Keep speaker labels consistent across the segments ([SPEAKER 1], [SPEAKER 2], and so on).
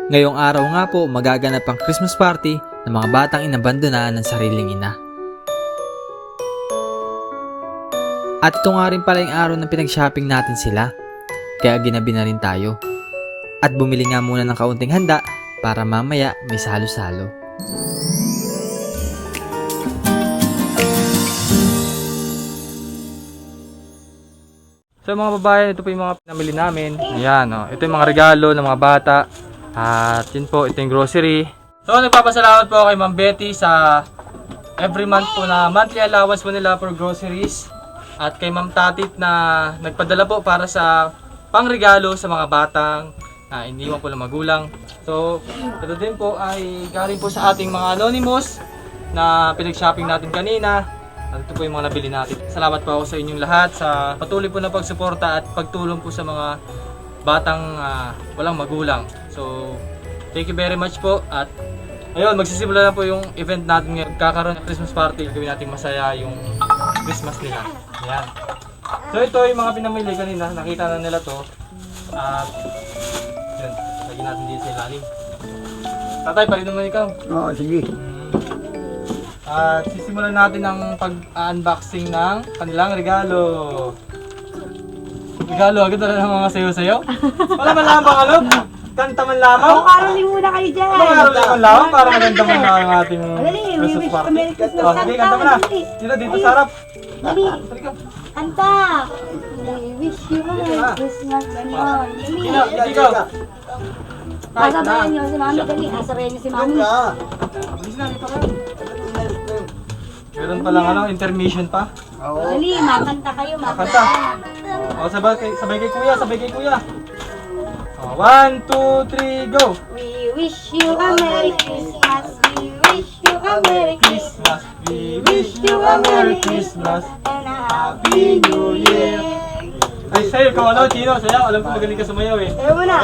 [SPEAKER 1] Ngayong araw nga po magaganap ang Christmas party ng mga batang inabandonaan ng sariling ina. At ito nga rin pala yung araw na pinag-shopping natin sila, kaya ginabi na rin tayo. At bumili nga muna ng kaunting handa para mamaya may salo-salo. So mga babae, ito po yung mga pinamili namin. Ayan, oh. Ito yung mga regalo ng mga bata. At yun po, ito yung grocery. So nagpapasalamat po kay Ma'am Betty sa every month po na monthly allowance po nila for groceries. At kay Ma'am Tatit na nagpadala po para sa pangregalo sa mga batang iniwan po ng magulang. So ito din po ay galing po sa ating mga anonymous na pinag-shopping natin kanina. At ito po yung mga nabili natin. Salamat po ako sa inyong lahat sa patuloy po na pagsuporta at pagtulong po sa mga batang walang magulang. So, thank you very much po. At ayun, magsisimula na po yung event natin ngayon. Kakaroon ng Christmas party. Gawin natin masaya yung Christmas nila. Ayan. So, ito yung mga pinamili kanina. Nakita na nila to. At yun, lagyan natin dito sa ilalim. Tatay, pali naman ikaw.
[SPEAKER 2] Oo, sige.
[SPEAKER 1] At sisimulan natin ang pag-unboxing ng kanilang regalo. Regalo, agad na ng mga sayo-sayo. Wala man lamang ano? Kanta man lamang?
[SPEAKER 3] Ako karoling muna kayo dyan.
[SPEAKER 1] Ano karoling man lamang? Para maganda man na ang ating
[SPEAKER 3] Dali, we
[SPEAKER 1] Christmas
[SPEAKER 3] wish
[SPEAKER 1] party.
[SPEAKER 3] Merry Christmas.
[SPEAKER 1] Oh, sige, kanta mo na. Dito sa harap.
[SPEAKER 3] Dali,
[SPEAKER 1] Halika.
[SPEAKER 3] kanta. We wish you a Merry Christmas. Ganon. Dali.
[SPEAKER 1] Ikaw. Kahit na.
[SPEAKER 3] Sasabayan niyo si Mami. Dali, sasabayan niyo si Mami.
[SPEAKER 1] Bilis na, dito ka. Meron palang ano, intermission pa.
[SPEAKER 3] Dali, makanta kayo.
[SPEAKER 1] Kanta. O, sabay kay kuya, sabay kay kuya. O, 1, 2, 3, go!
[SPEAKER 3] We wish you a Merry Christmas. We wish you a Merry Christmas.
[SPEAKER 1] We wish you a Merry Christmas
[SPEAKER 3] And a
[SPEAKER 1] Happy New Year. Ay, sa'yo, ikaw ano, Chino, sayaw. Alam ko magaling ka sumayaw eh.
[SPEAKER 3] Ayaw mo na.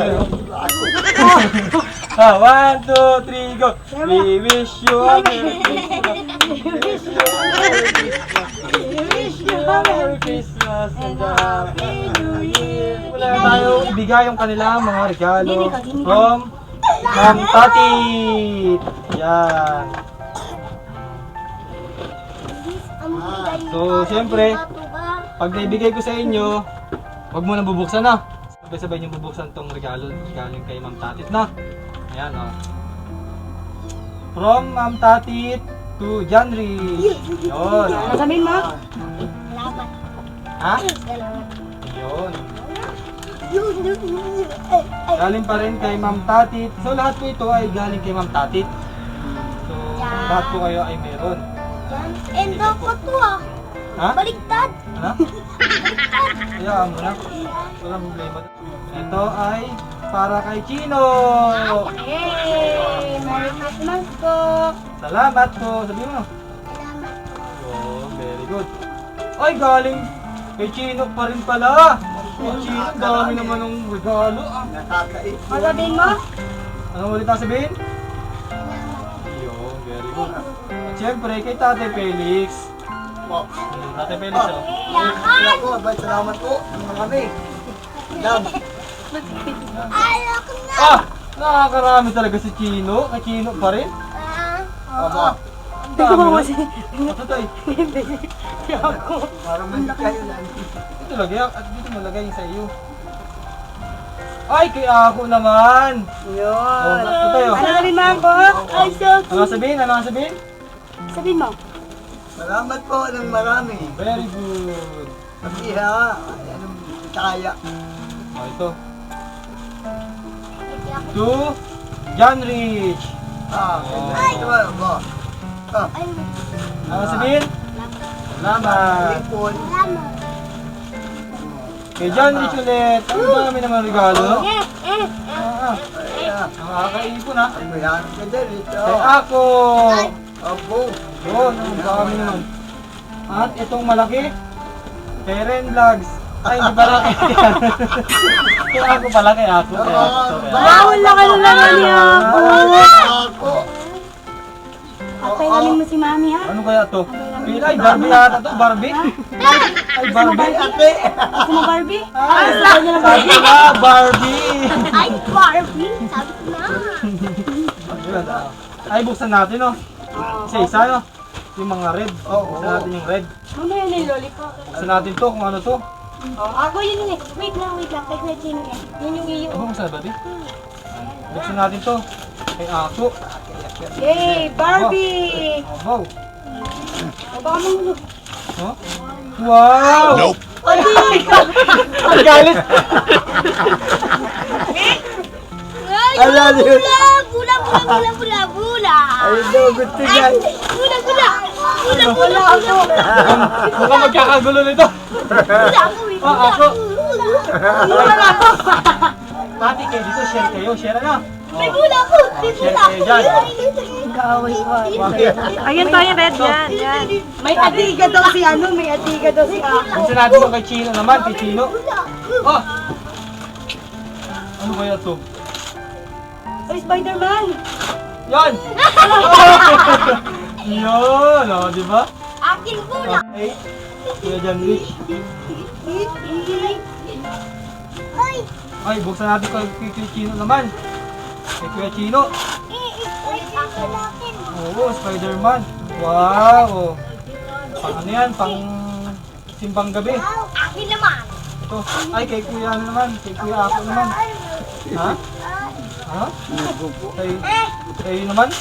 [SPEAKER 1] Ah, 1, 2, 3, go! We wish you a Merry Christmas. We wish you a Merry Christmas. We wish you a Merry Christmas and a Happy New Year. Wala na tayo ibigay yung kanilang mga regalo from Ma'am Tatit. Yan. So, siyempre, pag naibigay ko sa inyo, huwag mo nang bubuksan na. Sabay-sabay niyong bubuksan tong regalo galing kay Ma'am Tatit na. Ayan o. From Ma'am Tatit to John Rich. Yun.
[SPEAKER 3] Sasabihin mo?
[SPEAKER 1] Ha? Yun. Galing pa rin kay Ma'am Tatit. So lahat po ito ay galing kay Ma'am Tatit. So lahat po kayo ay meron.
[SPEAKER 3] And dapat to ah.
[SPEAKER 1] Ha?
[SPEAKER 3] Baliktad.
[SPEAKER 1] Ano? Hayaan mo na. Walang problema. Ito ay para kay Chino.
[SPEAKER 3] Yay! Merry Christmas po!
[SPEAKER 1] Salamat po. Sabihin mo. Oh, very good. Ay, galing kay Chino pa rin pala. Kay Chino, dami naman ng regalo.
[SPEAKER 3] Sasabihin mo?
[SPEAKER 1] Anong ulit ang sabihin? Yun, very good. At syempre, kay Tate Felix. Tate Felix, oh.
[SPEAKER 2] Salamat po. Marami. Dam.
[SPEAKER 1] Ah! Nakakarami talaga si Chino. Kay Chino pa rin.
[SPEAKER 2] Aba.
[SPEAKER 1] Dami na. Ito tayo.
[SPEAKER 2] Para mandi kayo lang.
[SPEAKER 1] Ito lagay. At dito mo lagay yung sa iyo. Ay, kay ako naman.
[SPEAKER 3] Yun.
[SPEAKER 1] Oh, ito tayo.
[SPEAKER 3] Ano sabihin mo ako? Ay, so
[SPEAKER 1] Ano sabihin? Ano sabihin?
[SPEAKER 3] sabihin mo.
[SPEAKER 2] Salamat po ng marami.
[SPEAKER 1] Very good.
[SPEAKER 2] Pag-iha. Anong kaya.
[SPEAKER 1] Oh, ito. To John Rich.
[SPEAKER 2] Ito ba?
[SPEAKER 1] Ano sabihin? Salamat.
[SPEAKER 2] Lipon.
[SPEAKER 1] Kay John Rich ulit. Ang dami naman regalo.
[SPEAKER 2] Ayan.
[SPEAKER 1] Nakakaipon ha.
[SPEAKER 2] Ayan. Ganda rito.
[SPEAKER 1] Kay ako.
[SPEAKER 2] Abo.
[SPEAKER 1] Yun, ang dami naman. At itong malaki. Kay Ren Vlogs. Ay, hindi pala kay kay ako pala, kay ako.
[SPEAKER 3] Bawal lang ano naman niya ako.
[SPEAKER 2] Ako.
[SPEAKER 3] At pailamin mo si Mami ha.
[SPEAKER 1] Ano kaya to?
[SPEAKER 3] Pailamin
[SPEAKER 1] Pila, ay Barbie yata to, Barbie? Ay, Barbie.
[SPEAKER 2] Ate!
[SPEAKER 3] Gusto mo Barbie?
[SPEAKER 1] Ay, sabi na, Barbie.
[SPEAKER 3] Ay, Barbie! Sabi ko na.
[SPEAKER 1] Ayun, ay, buksan natin, no? Isa-isa, no? Yung mga red. Buksan natin yung red.
[SPEAKER 3] Mamaya na yung lollipop.
[SPEAKER 1] Buksan natin to, kung ano to.
[SPEAKER 3] Ako yun eh. Wait lang. Kay Kuya Chino yan. Yun yung iyo.
[SPEAKER 1] Ano buksan na ba, di? Buksan natin to. Kay Ako.
[SPEAKER 3] Yay! Barbie!
[SPEAKER 1] Wow.
[SPEAKER 3] O baka mo.
[SPEAKER 1] Huh? Wow! Nope. Ang galit.
[SPEAKER 3] Ay,
[SPEAKER 2] Ala,
[SPEAKER 3] bula!
[SPEAKER 2] Ay, no, gusto yan.
[SPEAKER 3] Bula!
[SPEAKER 1] Mukhang magkakagulo nito. Ako. Pati kayo dito, share kayo. Share na.
[SPEAKER 3] May bula ko!
[SPEAKER 1] Share kayo dyan. Bakit?
[SPEAKER 4] Ayun tayo, red yan. Yan.
[SPEAKER 3] May adiga daw si Ako.
[SPEAKER 1] Buksan natin yung kay Chino naman, kay Chino. Oh! Ano kaya to?
[SPEAKER 3] Ay, Spider-Man!
[SPEAKER 1] Yan! Yun! O, di ba?
[SPEAKER 3] Akin bula!
[SPEAKER 1] Okay. Kuya John Rich. Ay, buksan natin kay Chino naman. Kay Kuya Chino. Oo, Spider-Man. Wow! Pang ano yan? Pang simbang gabi.
[SPEAKER 3] Akin naman!
[SPEAKER 1] Ito. Ay, kay Kuya ano naman. Kay Kuya Ako naman. Ha? Ha? Kayo naman?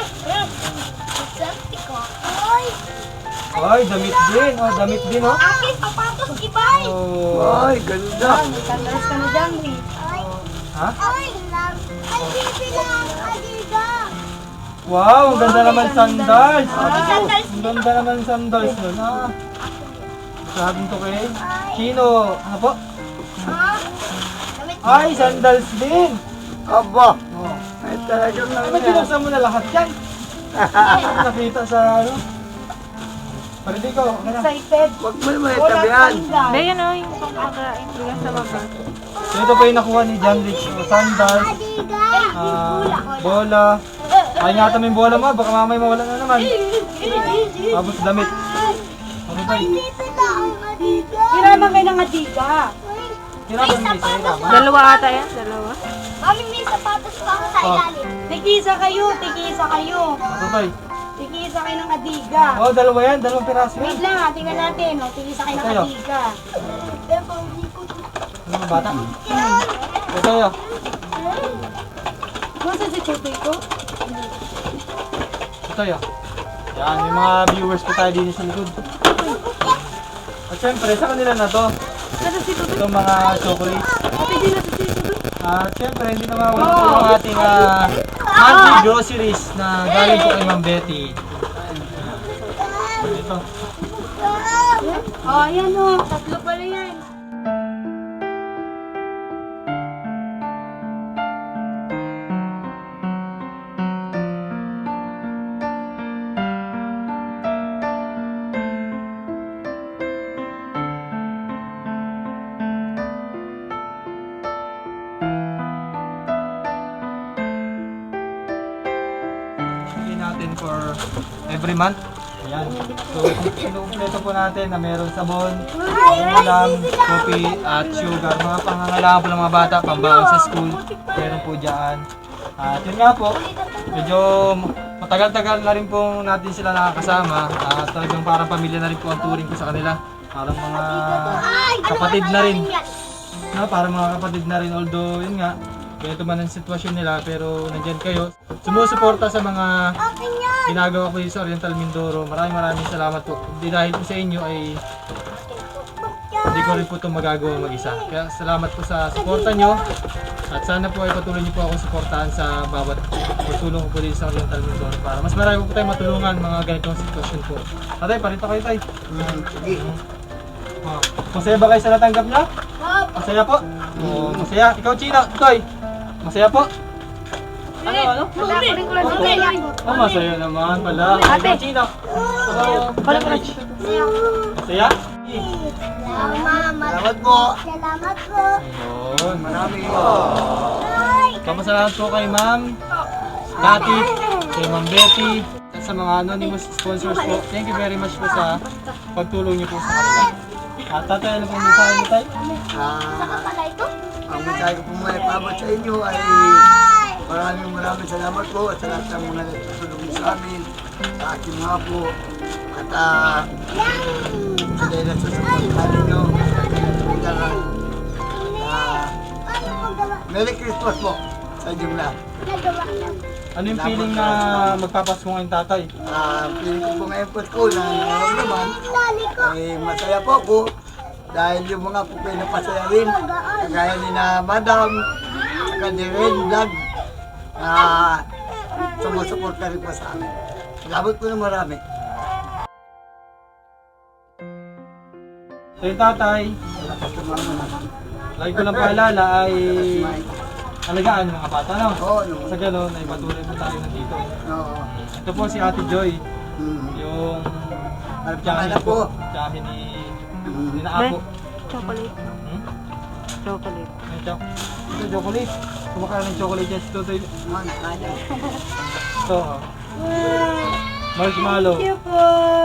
[SPEAKER 1] Ay, damit din. Oh, damit din, oh.
[SPEAKER 3] Akin, sapatos, ibay!
[SPEAKER 1] Oh.
[SPEAKER 2] Ay, ganda.
[SPEAKER 3] Kandaras ka na dyan, eh.
[SPEAKER 1] Ha?
[SPEAKER 3] Ay, bibilang adiga!
[SPEAKER 1] Wow, ang ganda naman sandals.
[SPEAKER 3] Sandals.
[SPEAKER 1] Ang ganda naman sandals nun, ha? Sabi to kay Chino. Ano po? Ay, sandals din.
[SPEAKER 2] Aba.
[SPEAKER 1] Oh.
[SPEAKER 2] Ay, talagang
[SPEAKER 1] Ay,
[SPEAKER 2] lang
[SPEAKER 1] ba't
[SPEAKER 2] yan.
[SPEAKER 1] binuksan mo na lahat yan? Nakita sa ano? Pwede ko, ano na?
[SPEAKER 3] Excited.
[SPEAKER 2] Huwag mo naman itabihan.
[SPEAKER 4] Hindi, yan o. Yung pangkakain. Bigas sa baba.
[SPEAKER 1] So ito po yung nakuha ni John Rich. So, sandals, bola. Ay nga yung bola mo, baka mamay mawala na naman. Tapos damit. Ano ba yun?
[SPEAKER 3] Hiraman kayo ng adiga.
[SPEAKER 1] Hirapan mo isa, hirapan.
[SPEAKER 4] Dalawa ata yan. Dalawa.
[SPEAKER 3] Mami, may sapatos pa ako sa ilalim. Tigisa kayo.
[SPEAKER 1] Ano ba yun?
[SPEAKER 3] Tigisa kayo ng adiga.
[SPEAKER 1] Oh, dalawa yan, dalawang piraso yan.
[SPEAKER 3] Wait lang, tingnan natin. Tigisa kayo ng
[SPEAKER 1] Tayo.
[SPEAKER 3] adiga.
[SPEAKER 1] Ano ba bata? Ito yun.
[SPEAKER 3] Nasaan si Chutoy ko?
[SPEAKER 1] Ito yun. Yan, may mga viewers po tayo dito sa likod. At syempre, sa kanila na to.
[SPEAKER 3] Nasaan si Chutoy?
[SPEAKER 1] Itong mga chocolates.
[SPEAKER 3] Ate, di na si Chutoy.
[SPEAKER 1] At syempre, hindi na mawala po yung ating monthly groceries na galing po kay Ma'am Betty. Ito.
[SPEAKER 3] Oh, ayan o. Tatlo pala yan.
[SPEAKER 1] Bigyan natin for every month. Ayan. So, inuumpleto po natin na meron sabon, ulam, coffee, at sugar. Mga pangangailangan po ng mga bata, pambaon sa school. Meron po dyan. At yun nga po, medyo matagal-tagal na rin po natin sila nakakasama. At talagang parang pamilya na rin po ang turing ko sa kanila. Parang mga kapatid na rin. No, parang mga kapatid na rin. Although, yun nga, ganito man ang sitwasyon nila, pero nandyan kayo. Sumusuporta sa mga ginagawa ko sa Oriental Mindoro. Maraming salamat po. Hindi dahil po sa inyo ay hindi ko rin po ito magagawa mag-isa. Kaya salamat po sa suporta nyo. At sana po ay patuloy nyo po akong suportahan sa bawat pagtulong ko po dito sa Oriental Mindoro. Para mas marami po tayo matulungan mga ganitong sitwasyon po. Tatay, parito kayo tay.
[SPEAKER 2] Sige.
[SPEAKER 1] Masaya ba kayo sa natanggap nyo? Masaya po? Oo, masaya. Ikaw, Chino, Toy. Masaya po? Ano? Oh, masaya naman pala. Ate. Chino. Rich. Masaya?
[SPEAKER 2] Salamat po.
[SPEAKER 1] Ayun.
[SPEAKER 2] Maraming po.
[SPEAKER 1] Kamasalamat po kay Ma'am Tati, kay Ma'am Betty. sa mga anonymous sponsors po. Thank you very much po sa pagtulong niyo po sa kanila. At tatay, ano pong mensahe niyo, tay?
[SPEAKER 2] Ang mensahe ko po may pabot sa inyo ay maraming salamat po at sa lahat ng mga nagtutulong sa amin, sa aking mga po. At sila na susuportahan ninyo. Merry Christmas po sa inyong lahat.
[SPEAKER 1] Ano yung feeling na magpapasko ngayon, tatay?
[SPEAKER 2] Feeling ko po ngayon po ko na naman ay masaya po ako dahil yung mga po kayo napasaya rin kagaya ni na Madam Kadirin Vlog sumusuporta rin po sa amin. Salamat po na marami.
[SPEAKER 1] So yung tatay, lagi ko lang paalala ay alagaan yung mga bata, no?
[SPEAKER 2] Oo,
[SPEAKER 1] Sa gano'n ay patuloy po tayo nandito.
[SPEAKER 2] Oo.
[SPEAKER 1] Ito po si Ate Joy, yung
[SPEAKER 2] Ano
[SPEAKER 1] tiyahin
[SPEAKER 2] po?
[SPEAKER 1] tiyahin ni Naapo.
[SPEAKER 4] Chocolate.
[SPEAKER 1] Hmm?
[SPEAKER 4] Chocolate.
[SPEAKER 1] Ito, chocolate. Kumakain ng chocolate yan si Tutoy.
[SPEAKER 2] Mga kaya.
[SPEAKER 1] Ito, marshmallow.
[SPEAKER 3] Thank you po.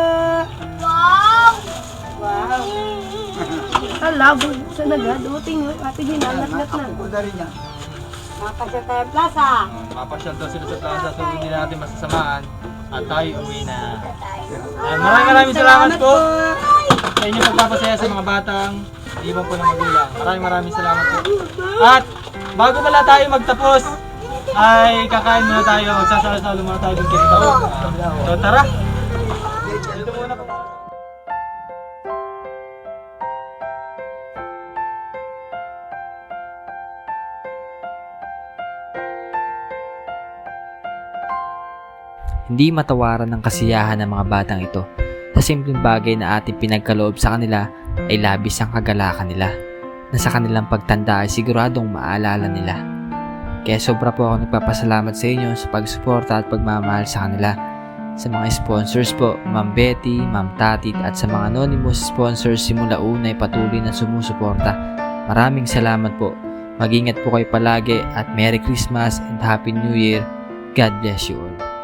[SPEAKER 3] Wow! Hala, bubuksan na agad. Dumating yung ate ginanat-nat na.
[SPEAKER 2] Ako na rin yan.
[SPEAKER 3] Makasya tayo plaza.
[SPEAKER 1] Mapasyal daw sila sa plaza so hindi natin masasamaan at tayo uwi na. Maraming salamat po sa inyong pagpapasaya sa mga batang iwan po ng magulang. Maraming salamat po. At bago pala tayo magtapos ay kakain muna tayo, magsasalo-salo muna tayo ng kirito. So tara! Dito muna po.
[SPEAKER 5] Hindi matawaran ng kasiyahan ng mga batang ito. Sa simpleng bagay na ating pinagkaloob sa kanila ay labis ang kagalakan nila na sa kanilang pagtanda ay siguradong maalala nila. Kaya sobra po ako nagpapasalamat sa inyo sa pagsuporta at pagmamahal sa kanila. Sa mga sponsors po, Ma'am Betty, Ma'am Tatit at sa mga anonymous sponsors simula una ay patuloy na sumusuporta. Maraming salamat po. Mag-ingat po kayo palagi at Merry Christmas and Happy New Year. God bless you all.